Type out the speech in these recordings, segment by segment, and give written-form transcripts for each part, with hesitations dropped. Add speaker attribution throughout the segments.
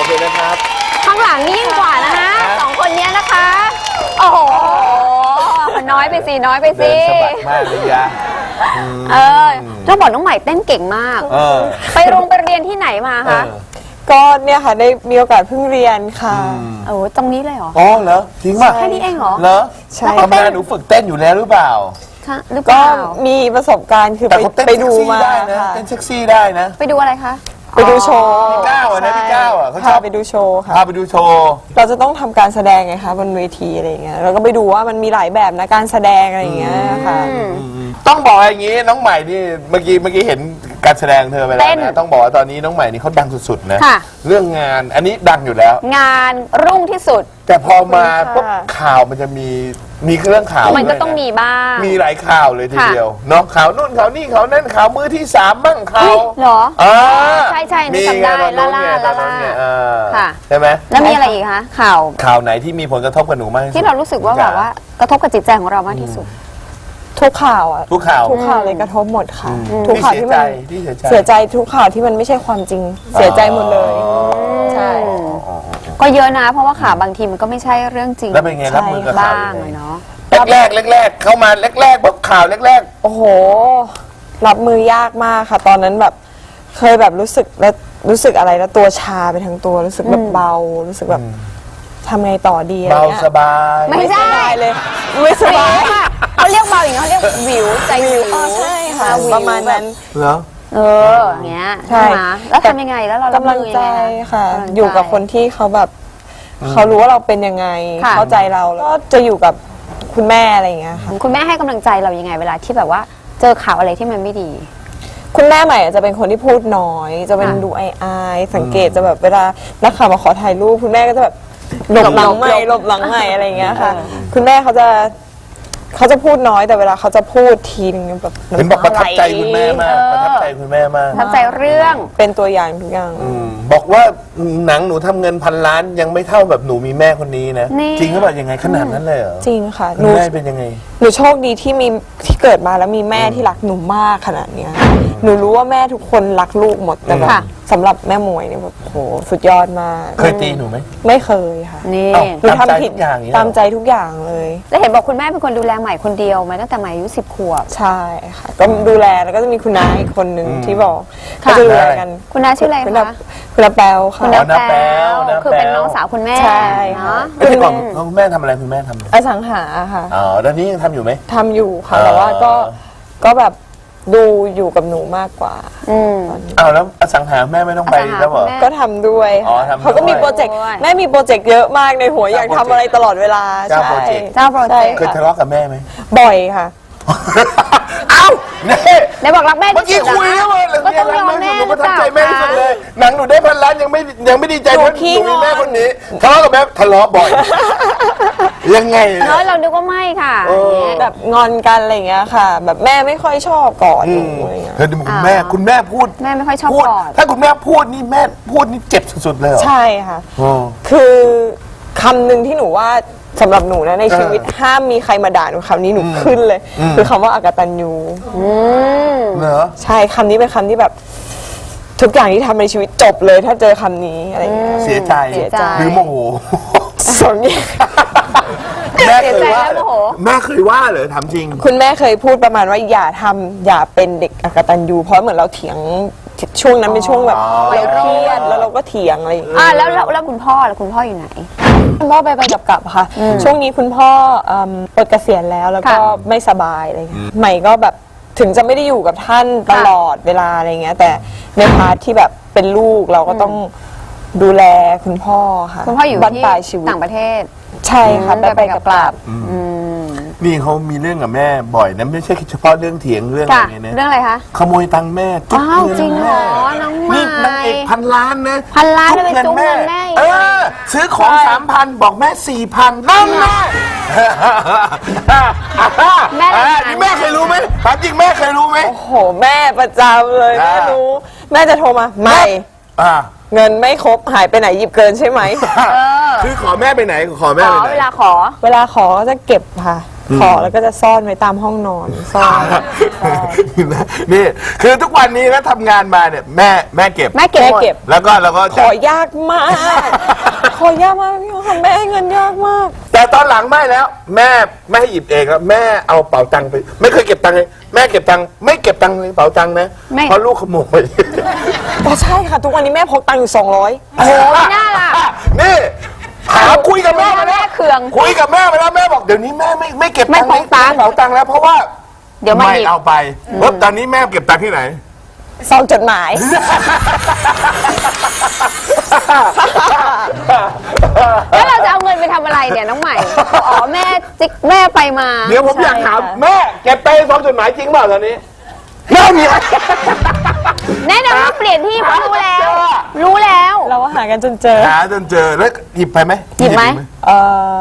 Speaker 1: เคนะครับ
Speaker 2: ข้างหลังนี่ยิ่งกว่านะฮะสองคนนี้นะคะโอ้โหมันน้อยไปสิน้อยไปสิ
Speaker 1: เดินสะบัดมากเลยยะ
Speaker 2: ต้องบอกน้องใหม่เต้นเก่งมากไปเรียนที่ไหนมาคะ
Speaker 3: ก็เนี่ยค่ะได้มีโอกาสเพิ่งเรียนค่ะ
Speaker 2: โอ้ตรงนี้เลยเหรอ
Speaker 1: อ๋อเหรอจริงป่ะ
Speaker 2: แค่นี้เองเหรอ
Speaker 1: เหรอใช่ธรรมดาหนูฝึกเต้นอยู่แล้วหรือเปล่า
Speaker 3: ก็มีประสบการณ์คือไปดูมา
Speaker 1: เต้นเซ็กซี่ได้นะ
Speaker 2: ไปดูอะไรคะ
Speaker 3: ไปดูโชว์
Speaker 1: พี่ก้าวนะพี่ก้าวเขาชอบ
Speaker 3: ไปดูโชว์ค่ะ
Speaker 1: พาไปดูโชว์
Speaker 3: เราจะต้องทำการแสดงไงคะบนเวทีอะไรอย่างเงี้ยเราก็ไปดูว่ามันมีหลายแบบนะการแสดงอะไรอย่างเงี้ยค่ะ
Speaker 1: ต้องบอกอย่างนี้น้องใหม่นี่เมื่อกี้เห็นการแสดงเธอไปแล้วนะต้องบอกว่าตอนนี้น้องใหม่นี่เขาดังสุดๆนะเรื่องงานอันนี้ดังอยู่แล้ว
Speaker 2: งานรุ่งที่สุด
Speaker 1: แต่พอมาปุ๊บข่าวมันจะมีเรื่องข่าว
Speaker 2: มันก็ต้องมีบ้าง
Speaker 1: มีหลายข่าวเลยทีเดียวเนาะข่าวนู่นข่าวนี่ข่าวนั่นข่าวมือที่3บ้างข่าว
Speaker 2: เหรอใช่นี่จำได้ล่าค่ะ
Speaker 1: ใช่ไหม
Speaker 2: แล้วมีอะไรอีกคะข่
Speaker 1: าวไหนที่มีผลกระทบกับหนูมาก
Speaker 2: ที่เรารู้สึกว่าแบบว่ากระทบกับจิตใจของเรามากที่สุด
Speaker 3: ทุกข่าวอ่ะ
Speaker 1: ทุกข่าว
Speaker 3: เลยกระทบหมดค่ะทุกข่าวที่มันเสียใจทุกข่าวที่มันไม่ใช่ความจริงเสียใจหมดเลยใช่
Speaker 2: ก็เยอะนะเพราะว่าข่าวบางทีมันก็ไม่ใช่เรื่องจริง
Speaker 1: แล้วเป็นไงรับมือกับข่าว
Speaker 2: บ้างเนาะ
Speaker 1: แรกเข้ามาแรกปุ๊บข่าวแรก
Speaker 3: โอ้โหรับมือยากมากค่ะตอนนั้นแบบเคยแบบรู้สึกอะไรแล้วตัวชาไปทั้งตัวรู้สึกแบบเบารู้สึกแบบทำไงต่อดีอะไร
Speaker 1: เบา
Speaker 3: เงี้ย
Speaker 1: สบาย
Speaker 2: ไม่ใช่
Speaker 3: เลยไม่สบาย
Speaker 2: เขาเรียกเบาอย่างเขาเรียกวิวใจวิว
Speaker 3: ใช่ค่ะประมาณนั้น
Speaker 1: เหรอ
Speaker 2: อย่างเงี้ยใช่แล้วทำยังไงแล้วเรา
Speaker 3: กำลังใจค่ะอยู่กับคนที่เขาแบบเขารู้ว่าเราเป็นยังไงเข้าใจเราแล้วก็จะอยู่กับคุณแม่อะไรอย่างเงี้ยค่ะ
Speaker 2: คุณแม่ให้กำลังใจเรายังไงเวลาที่แบบว่าเจอข่าวอะไรที่มันไม่ดี
Speaker 3: คุณแม่ใหม่จะเป็นคนที่พูดน้อยจะเป็นดูอายสังเกตจะแบบเวลานักข่าวมาขอถ่ายรูปคุณแม่ก็จะแบบหลบหลังใหม่อะไรอย่างเงี้ยค่ะคุณแม่เขาจะพูดน้อยแต่เวลาเขาจะพูดทีนึงแบบ
Speaker 1: เห็นบอกประทับใจคุณแม่มากประทับใจคุณแม่มาก
Speaker 2: ประทับใจเรื่อง
Speaker 3: เป็นตัวอย่างทุกอย่าง
Speaker 1: บอกว่าหนังหนูทำเงิน1,000 ล้านยังไม่เท่าแบบหนูมีแม่คนนี้นะจริงหรือเปล่ายังไงขนาดนั้นเลยเหรอ
Speaker 3: จริงค่ะ
Speaker 1: หนูแม่เป็นยังไง
Speaker 3: หนูโชคดีที่เกิดมาแล้วมีแม่ที่รักหนูมากขนาดเนี้ยหนูรู้ว่าแม่ทุกคนรักลูกหมดแต่แบบสำหรับแม่มวยเนี่ยแบบโหสุดยอดมาก
Speaker 1: เคยตีหนูไหม
Speaker 3: ไม่เคยค่ะ
Speaker 2: นี่
Speaker 3: หนูทำผิดตามใจทุกอย่างเลย
Speaker 2: แล้วเห็นบอกคุณแม่เป็นคนดูแลใหม่คนเดียวมาตั้งแต่ใหม่อายุ10 ขวบ
Speaker 3: ใช่ค่ะก็ดูแลแล้วก็จะมีคุณน้าอีกคนหนึ่งที่บอกเขาจะดูแลกัน
Speaker 2: คุณน้าชื่ออะไรคะ
Speaker 3: คุณน้าแป๊วค่ะ
Speaker 2: คุณน้าแป๊วคือเป็นน้องสาวคุณแม่
Speaker 3: ใช่ค่ะ
Speaker 1: คุณแม่ทำอะไรคุณแม่ทำ
Speaker 3: อสังหาค่ะ
Speaker 1: อ๋อตอนนี้ยังทำอยู่ไหม
Speaker 3: ทำอยู่ค่ะแต่ว่าก็แบบดูอยู่กับหนูมากกว่า
Speaker 1: แล้วอสังหาแม่ไม่ต้องไปแล้วเหรอ
Speaker 3: ก็ทำด้วยเขาก็มีโปรเจกต์แม่มีโปรเจกต์เยอะมากในหัวอยากทำอะไรตลอดเวลา
Speaker 1: เจ้าโปรเจกต์เคยทะเลาะกับแม่ไหม
Speaker 3: บ่อยค่ะ
Speaker 1: เอ้า
Speaker 2: เนี่ยบอกรักแม่
Speaker 1: เมื่อกี้คุยแล้วเลย
Speaker 2: ก็ต้องยอมแม่
Speaker 1: หนูประทับใจแม่ที่สุดเลยหนังหนูได้1,000 ล้านยังไม่ดีใจเพราะหนูมีแม่คนนี้ทะเลาะกับแม่ทะเลาะบ่อยยังไง
Speaker 2: เราดูว่าไม่ค่ะ
Speaker 3: แบบงอนกันอะไรอย่างเงี้ยค่ะแบบแม่ไม่ค่อยชอบกอดหนูอะไรเงี้ย
Speaker 1: เธอดูคุณแม่พูด
Speaker 2: แม่ไม่ค่อยชอบกอด
Speaker 1: ถ้าคุณแม่พูดนี่แม่พูดนี่เจ็บสุดๆเลย
Speaker 3: ใช่ค่ะคือคำหนึ่งที่หนูว่าสำหรับหนูนะในชีวิตห้ามมีใครมาด่าหนูคำนี้หนูขึ้นเลยคือคำว่าอกตัญญู
Speaker 1: เหรอ
Speaker 3: ใช่คำนี้เป็นคำที่แบบทุกอย่างที่ทำในชีวิตจบเลยถ้าเจอคำนี้อะไรเงี้ย
Speaker 1: เสียใจหรือโมโห
Speaker 3: สองอย่าง
Speaker 1: แม่เคยว่าเหรอถามจริง
Speaker 3: คุณแม่เคยพูดประมาณว่าอย่าเป็นเด็กอกตัญญูเพราะเหมือนเราเถียงช่วงนั้นเป็นช่วงแบบเราเครียดแล้วเราก็เถียงอะไรอย่างเงี้ย
Speaker 2: แล้วคุณพ่ออยู่ไหน
Speaker 3: คุณพ่อไปกลับค่ะช่วงนี้คุณพ่อปลดเกษียณแล้วก็ไม่สบายอะไรใหม่ก็แบบถึงจะไม่ได้อยู่กับท่านตลอดเวลาอะไรเงี้ยแต่ในพาร์ทที่แบบเป็นลูกเราก็ต้องดูแลคุณพ่อค่ะ
Speaker 2: คุณพ่ออยู่ที่ต่างประเทศ
Speaker 3: ใช่ค่ะไปกลับ
Speaker 1: นี่เขามีเรื่องกับแม่บ่อยนะไม่ใช่เฉพาะเรื่องเถียงเรื่องอะไรเนี่ย
Speaker 2: เรื่องอะไรคะ
Speaker 1: ขโมยตังค์แม่
Speaker 2: จุ๊บเงินจริงเหรอน้องใหม่
Speaker 1: นี่นางเอก1,000 ล้านนะ
Speaker 2: 1,000 ล้านไปจุ๊บเงินแม่
Speaker 1: ซื้อของ 3,000 บอกแม่ 4,000นั่นแม่นี่แม่เคยรู้ไหมถามจริงแม่เคยรู้ไหม
Speaker 3: โอ้โหแม่ประจำเลยแม่รู้แม่จะโทรมาไม่เงินไม่ครบหายไปไหนหยิบเกินใช่ไหม
Speaker 1: คือขอแม่ไปไหนขอแม่ไปไหน
Speaker 2: เวลาขอ
Speaker 3: ก็จะเก็บค่ะขอแล้วก็จะซ่อนไว้ตามห้องนอนซ่อน
Speaker 1: นี่คือทุกวันนี้นะทำงานมาเนี่ยแม่เก็บ
Speaker 2: แม่เก็บหมด
Speaker 1: แล้วก็
Speaker 3: ข
Speaker 1: จะ
Speaker 3: อยากมาก ขอยากมากพี่ค่ะแม่ให้เงินยากมาก
Speaker 1: แต่ตอนหลังไม่แล้ว แม่ไม่ให้หยิบเองแล้วแม่เอาเป๋าตังค์ไปไม่เคยเก็บตังค์เลยแม่เก็บตังค์ไม่เก็บตังค์ในเป๋าตังค์นะ
Speaker 2: ไม่
Speaker 1: เพราะลูกขโมย
Speaker 3: แต่ใช่ค่ะทุกวันนี้แม่พกตังค์อยู่200
Speaker 2: โอ้โหไม่น่าล่ะ
Speaker 1: นี่ถามคุยกับแม่มา
Speaker 2: แม่
Speaker 1: แล้ว
Speaker 2: เคือง
Speaker 1: คุยกับแม่มาแล้วแม่บอกเดี๋ยวนี้แม่ไม่เก็บตังค์
Speaker 2: ไม่พกตังค์
Speaker 1: ในเป๋าตังค์แล้วเพราะว่า
Speaker 2: เดี๋ยวมาหยิบ
Speaker 1: เอาไปตอนนี้แม่เก็บตังค์ที่ไหน
Speaker 3: ซองจดหมาย
Speaker 2: แล้วเราจะเอาเงินไปทำอะไรเนี่ยน้องใหม่ อ๋อแม่จิ๊กแม่ไปมา
Speaker 1: เดี๋ยวผมอยากถามแม่เก็บไปซองจดหมายจริงเปล่าตอนนี้แม่มี
Speaker 2: แน่นอนว่าเปลี่ยนที่เพราะรู้แล้ว รู้แล้ว
Speaker 3: เราก็หากันจนเจอ
Speaker 1: หาจนเจอแล้วหยิบไปไหม
Speaker 2: หยิบไหม
Speaker 3: เออ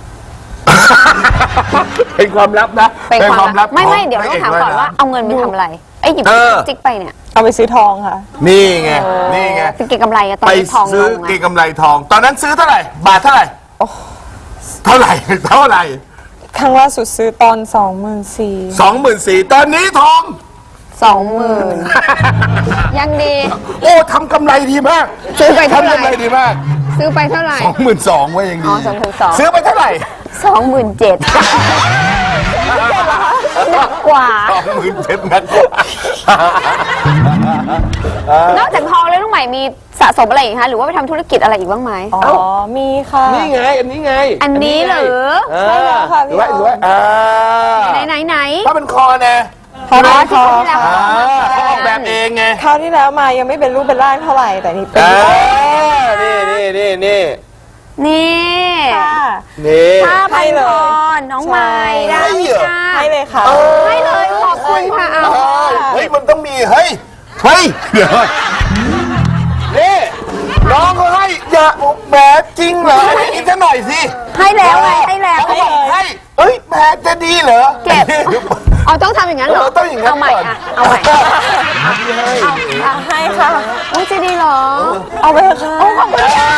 Speaker 1: เป็นความลับนะ
Speaker 2: เป็นความลับไม่
Speaker 1: ของ
Speaker 2: เดี๋ยวต้องถาม
Speaker 1: พระ
Speaker 2: ก่อนว่าเอาเงินไปทำอะไรไอ้หยิบจิ๊กไปเนี่ย
Speaker 3: เอาไปซื้อทองค่ะ
Speaker 1: นี่ไงนี่ไง
Speaker 2: เป็นเก็งกำไรอะตอน
Speaker 1: ไป
Speaker 2: นี้ทองล
Speaker 1: ซื้อง เก
Speaker 2: อะ
Speaker 1: งกำไรทอง ตอนนั้นซื้อเท่าไหร่ บาทเท่าไหร่เท่าไหร่
Speaker 3: ครั้งล่าสุดซื้อตอน24,000
Speaker 1: 24,000ตอนนี้ทอง
Speaker 2: 20,000ยังดี
Speaker 1: โอ้ทำกำไรดีมาก
Speaker 2: ซื้อไปเท่าไหร่
Speaker 1: ทำกำไรดีมาก
Speaker 2: ซื้อไปเท่าไหร่
Speaker 1: 22,000ไว้ยังดี
Speaker 2: อ๋อ22,000
Speaker 1: ซื้อไปเท่าไหร่
Speaker 2: 27,000หนักกว่า
Speaker 1: 27,000นัก
Speaker 2: นอกจากทองแล้วน้องใหม่มีสะสมอะไรอีกคะหรือว่าไปทำธุรกิจอะไรอีกบ้างไหม
Speaker 3: อ๋อ มีค่ะ
Speaker 1: นี่ไง อันนี้ไง
Speaker 2: อันนี้เหรอ
Speaker 3: ใช่แล้วค่ะพี่
Speaker 1: ดูไว้
Speaker 2: ไหน
Speaker 1: ถ้าเป็นคอนะ
Speaker 3: พอได้
Speaker 2: ที่
Speaker 3: พอ
Speaker 2: ที่แล้ว
Speaker 1: เขาออกแบบเองไง
Speaker 3: คราวที่แล้วมายังไม่เป็นรูปเป็นร่างเท่าไหร่แต่นี่เป็น
Speaker 1: นี่
Speaker 2: นี่
Speaker 3: ค่ะ
Speaker 1: นี่
Speaker 2: ผ้าพั
Speaker 3: ให้
Speaker 2: น
Speaker 3: เล
Speaker 2: ค
Speaker 3: ย
Speaker 2: อน้องใหม่ได้
Speaker 1: ให้
Speaker 2: ไหม
Speaker 1: เหรอ
Speaker 2: คะ
Speaker 3: ให้เลยค่ะ
Speaker 2: ให้เลยขอบคุณค่ะเอา
Speaker 1: เฮ้ยมันต้องมีเฮ้ยเดี๋ยวนี่น้องเขาให้อย่าแหมจริงเหรอให้กินซะหน่อยสิ
Speaker 2: ให้แล้วไงให้แล้ว
Speaker 1: เขาบอกให้เอ้ยแหมจะดีเหรอ
Speaker 2: เก็บเอาต้องทำอย่างนั้นเหรอ
Speaker 1: ต้องอย่างนั้น
Speaker 2: เอาใหม่
Speaker 1: ก่อน
Speaker 2: อะเอาใหม่เอา
Speaker 3: ให้ค่ะ
Speaker 2: อุ้ยจะดีเหรอ
Speaker 3: เอาไปค่ะ
Speaker 2: โอ้ขอบคุณค่ะ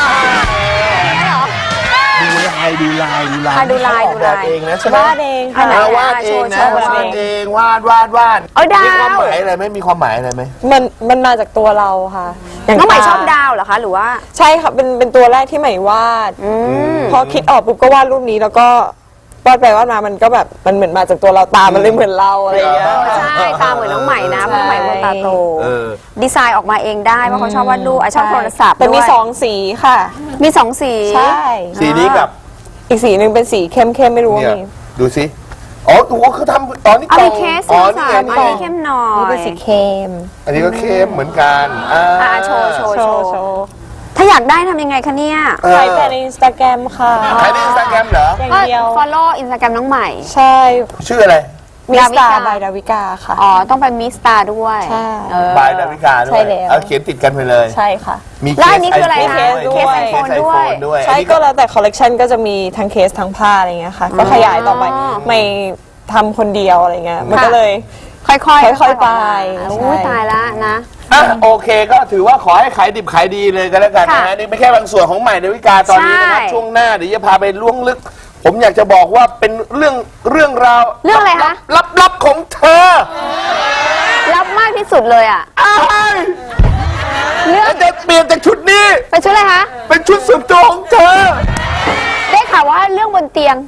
Speaker 1: ดูลาย
Speaker 2: ดูลาย
Speaker 1: ออกแบบเองนะใช่ไหม
Speaker 3: วาดเองค่ะ
Speaker 1: วาดเองนะ
Speaker 2: โชว์
Speaker 1: วาดเองวาด
Speaker 2: เอาดาว
Speaker 1: มีความหมายอะไรไหมมีความหมายอะไรไหม
Speaker 3: มันมาจากตัวเราค่ะย่า
Speaker 2: น้องใหม่
Speaker 3: ตา
Speaker 2: ชอบดาวเหรอคะหรือว่า
Speaker 3: ใช่ค่ะเป็นตัวแรกที่ใหม่วาดพอคิดออกปุ๊บก็วาดรูปนี้แล้วก็วาดไปวาดมามันก็แบบมันเหมือนมาจากตัวเราตามันเลยเหมือนเราอะไรอย่างเงี้ย
Speaker 2: ใช่ตาเหมือนน้องใหม่นะเพราะน้องใหม่คนตาโต
Speaker 1: เออ
Speaker 2: ดีไซน์ออกมาเองได้เพราะเขาชอบวาดรูปชอบโทรศัพท์
Speaker 3: แต่มี
Speaker 2: ด้วย
Speaker 3: 2 สีค่ะ
Speaker 2: มี2 สี
Speaker 3: ใช่
Speaker 1: สีนี้กับ
Speaker 3: อีกสีหนึ่งเป็นสีเข้มๆไม่รู้ว่า
Speaker 1: เนี่ย
Speaker 3: มี
Speaker 1: ดูสิอ๋อคือทำอ๋อนี่
Speaker 2: เอา
Speaker 1: กล่
Speaker 2: มี
Speaker 1: อง
Speaker 2: เคส
Speaker 1: อ๋อ
Speaker 2: สี
Speaker 1: นี่
Speaker 2: สาม
Speaker 1: ไง
Speaker 2: อันนี้เข้มหน่อย
Speaker 3: นี่เป็นสีเข้ม
Speaker 1: อันนี้ก็เข้มเหมือนกัน
Speaker 2: โชว์
Speaker 3: โชว์โชว์
Speaker 2: ถ้าอยากได้ทำยังไงคะเนี่ย
Speaker 3: ใช้แต่ในอินสตาแกรมค่ะ
Speaker 1: ใครในอินสตาแกรมเหรอ
Speaker 3: อย่าง
Speaker 2: ก็
Speaker 3: เดียว
Speaker 2: follow Instagram น้องใหม่
Speaker 3: ใช่
Speaker 1: ชื่ออะไร
Speaker 3: มิสตา
Speaker 2: ดาวิกา
Speaker 3: บายดาวิกาค่ะ
Speaker 2: อ๋อ ต้องไปมิสตาด้วย
Speaker 3: ใช่
Speaker 1: บายดาวิกาด้ว
Speaker 3: ใช่
Speaker 1: ย
Speaker 3: แล้ว
Speaker 1: เอาเขียนติดกันไปเลย
Speaker 3: ใช่ค่ะ
Speaker 1: มี
Speaker 2: แล้วอันนี้คืออะไร
Speaker 3: เค
Speaker 2: คะ
Speaker 3: สด้วย
Speaker 2: เคสไอโฟนด้วย
Speaker 1: ด้วย
Speaker 3: ใช่ก็แล้วแต่คอลเลกชันก็จะมีทั้งเคสทั้งผ้าอะไรเงี้ยค่ะ ก็ขยายต่อไปไม่ทำคนเดียวอะไรเงี้ยมันก็เลย
Speaker 2: ค่อยๆ
Speaker 3: ค่อยๆไป
Speaker 2: อุ้ย
Speaker 3: ใช่
Speaker 2: ตายละนะ
Speaker 1: อ่ะโอเคก็ถือว่าขอให้ขายดิบขายดีเลยกันแล้วกันนะ
Speaker 2: ค่ะ
Speaker 1: ฮะนี่ไม่แค่บางส่วนของใหม่ดาวิกาตอนนี้นะครับ
Speaker 2: ใช่
Speaker 1: ช่วงหน้าเดี๋ยวจะพาไปล่วงลึก ผมอยากจะบอกว่าเป็นเรื่องราว
Speaker 2: เรื่องอะไรคะ
Speaker 1: ลับของเธอ
Speaker 2: รับมากที่สุดเลยอ่ะ
Speaker 1: อ้าย
Speaker 2: เรื่อง
Speaker 1: แล้วจะเปลี่ยนจากชุดนี้
Speaker 2: เป็นชุดอะไรคะ
Speaker 1: เป็นชุดส่วนตัวของเธอ
Speaker 2: ได้ข่าวว่าเรื่องบนเตียง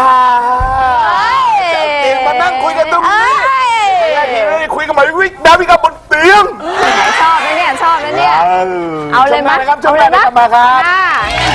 Speaker 1: จะเตียงมานั่งคุยกันตรงนี้
Speaker 2: เอ้ย
Speaker 1: ไม่ได้คุยกันมาวิกดาวิกาบนเตียง
Speaker 2: ชอบนะเนี่ยชอบนะเนี่ย เอาเลยไหม
Speaker 1: ช่วงหน้านะครับช่วงหน้า
Speaker 2: เอาเลยไหม
Speaker 1: กลับมาครับ
Speaker 2: ค่ะ